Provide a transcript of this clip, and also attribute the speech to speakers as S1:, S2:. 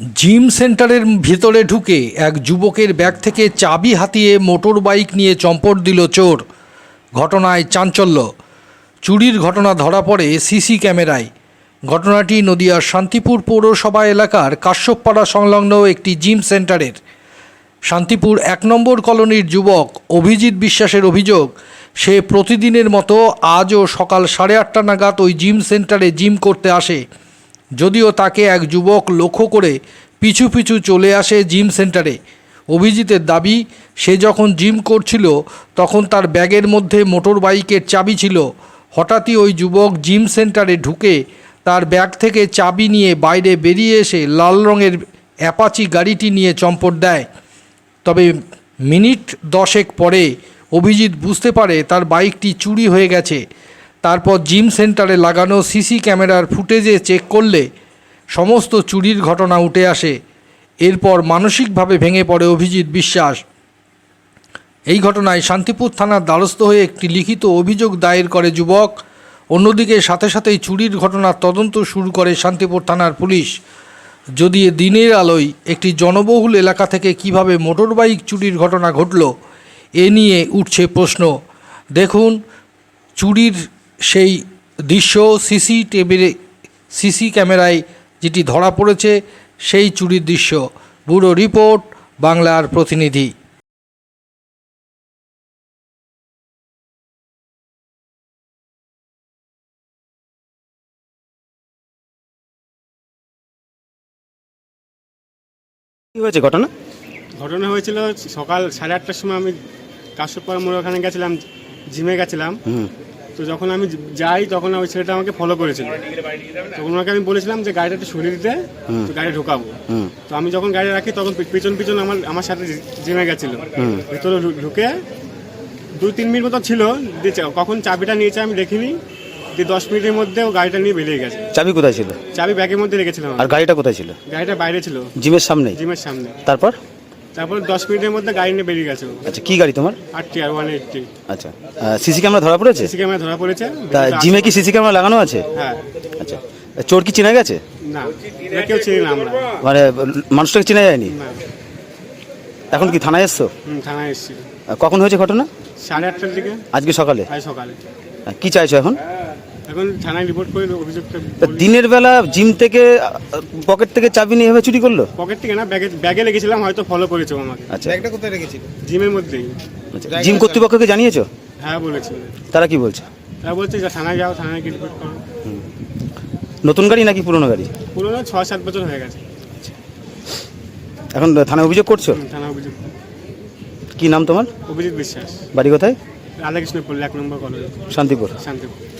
S1: Gym সেন্টারের ভিতরে ঢুকে এক যুবকের ব্যাগ থেকে চাবি হাতিয়ে মোটর বাইক নিয়ে চম্পট দিল চোর। ঘটনায় চাঞ্চল্য। চুরির ঘটনা ধরা পড়ে সিসি ক্যামেরায়। ঘটনাটি নদিয়ার শান্তিপুর পৌরসভা এলাকার কাশ্যপপাড়া সংলগ্ন একটি জিম সেন্টারের। শান্তিপুর ১ নম্বর কলোনির যুবক অভিজিৎ বিশ্বাসের অভিযোগ, সে প্রতিদিনের মতো আজও সকাল 8:30 নাগাদ ওই জিম সেন্টারে জিম করতে আসে। যদিও তাকে এক যুবক লক্ষ্য করে পিছু পিছু চলে আসে জিম সেন্টারে। অভিজিতের দাবি, সে যখন জিম করছিল তখন তার ব্যাগের মধ্যে মোটর বাইকের চাবি ছিল। হঠাৎই ওই যুবক জিম সেন্টারে ঢুকে তার ব্যাগ থেকে চাবি নিয়ে বাইরে বেরিয়ে এসে লাল রঙের অ্যাপাচি গাড়িটি নিয়ে চম্পট দেয়। তবে মিনিট 10 পরে অভিজিৎ বুঝতে পারে তার বাইকটি চুরি হয়ে গেছে। তারপর জিম সেন্টারে লাগানো সিসি ক্যামেরার ফুটেজে চেক করলে সমস্ত চুরির ঘটনা উঠে আসে। এরপর মানসিকভাবে ভেঙে পড়ে অভিজিৎ বিশ্বাস। এই ঘটনায় শান্তিপুর থানার দ্বারস্থ হয়ে একটি লিখিত অভিযোগ দায়ের করে যুবক। অন্যদিকে সাথে সাথেই চুরির ঘটনার তদন্ত শুরু করে শান্তিপুর থানার পুলিশ। যদিও দিনের আলোয় একটি জনবহুল এলাকা থেকে কিভাবে মোটরবাইক চুরির ঘটনা ঘটল, এ নিয়ে উঠছে প্রশ্ন। দেখুন চুরির সেই দৃশ্য সিসি ক্যামেরায় যেটি ধরা পড়েছে, সেই চুরির দৃশ্য। ব্যুরো রিপোর্ট, বাংলার প্রতিনিধি।
S2: কি হয়েছে ঘটনা?
S3: ঘটনা হয়েছিল সকাল 8:30টার সময় আমি কাশ্যপপাড়া মোড় ওখানে গেছিলাম, জিমে গেছিলাম। তো যখন আমি যাই তখন ওই ছেলেটা আমাকে ফলো করেছিল। তখন ওনাকে আমি বলেছিলাম যে গাড়িটা একটু সরিয়ে দিতে, তো গাড়ি ঢোকাবো। তো আমি যখন গাড়ি রাখি তখন পিছন পিছন আমার সাথে জিমে গেছিল। ভিতরে ঢুকে 2-3 মিনিট মতো ছিল, কখন চাবিটা নিয়েছে আমি দেখিনি। 10 মিনিটের মধ্যে ও গাড়িটা নিয়ে বেরিয়ে গেছে।
S2: চাবি কোথায় ছিল?
S3: চাবি ব্যাগের মধ্যে রেখেছিলাম।
S2: আর গাড়িটা কোথায় ছিল?
S3: গাড়িটা বাইরে ছিল,
S2: জিমের সামনে।
S3: জিমের সামনে।
S2: তারপর
S3: 10 মিনিটের মধ্যে গাড়ি নিয়ে বেরিয়ে গেছে।
S2: আচ্ছা, কি গাড়ি তোমার?
S3: RTR 180।
S2: আচ্ছা, সিসি ক্যামেরা ধরা পড়েছে?
S3: সিসি ক্যামেরা ধরা পড়েছে।
S2: তা জিমে কি সিসি ক্যামেরা লাগানো আছে?
S3: হ্যাঁ।
S2: আচ্ছা, চোর কি চেনা গেছে?
S3: না, কেউ চিনি না আমরা।
S2: মানে মানুষটাকে চেনা যায়নি?
S3: না।
S2: এখন কি থানায় এসছো?
S3: থানায় এসেছি।
S2: কখন হয়েছে ঘটনা?
S3: 8:30টার দিকে।
S2: আজকে সকালে?
S3: আজ সকালে।
S2: কি চাইছো এখন?
S3: এখন থানায় রিপোর্ট করে অভিযোগটা।
S2: দিনের বেলা জিম থেকে পকেট থেকে চাবি নিয়ে এভাবে চুরি করলো?
S3: পকেট থেকে না, ব্যাগে রেখেছিলাম, হয়তো ফলো করেছো আমাকে।
S2: আচ্ছা,
S4: ব্যাগটা কোথায় রেখেছিল?
S3: জিমের মধ্যেই।
S2: আচ্ছা, জিম কর্তৃপক্ষকে জানিয়েছো?
S3: হ্যাঁ বলেছি।
S2: তারা কি বলছে?
S3: তারা বলছে যে থানায় যাও, থানায় গিয়ে রিপোর্ট করো।
S2: নতুন গাড়ি নাকি পুরনো গাড়ি?
S3: পুরোনো 6-7 বছর হয়ে গেছে।
S2: এখন থানায় অভিযোগ করছো?
S3: থানায় অভিযোগ।
S2: কি নাম তোমার?
S3: অভিজিৎ বিশ্বাস।
S2: বাড়ি কোথায়?
S3: Radhakrishnapur 1 number college,
S2: Shantipur.
S3: শান্তিপুর।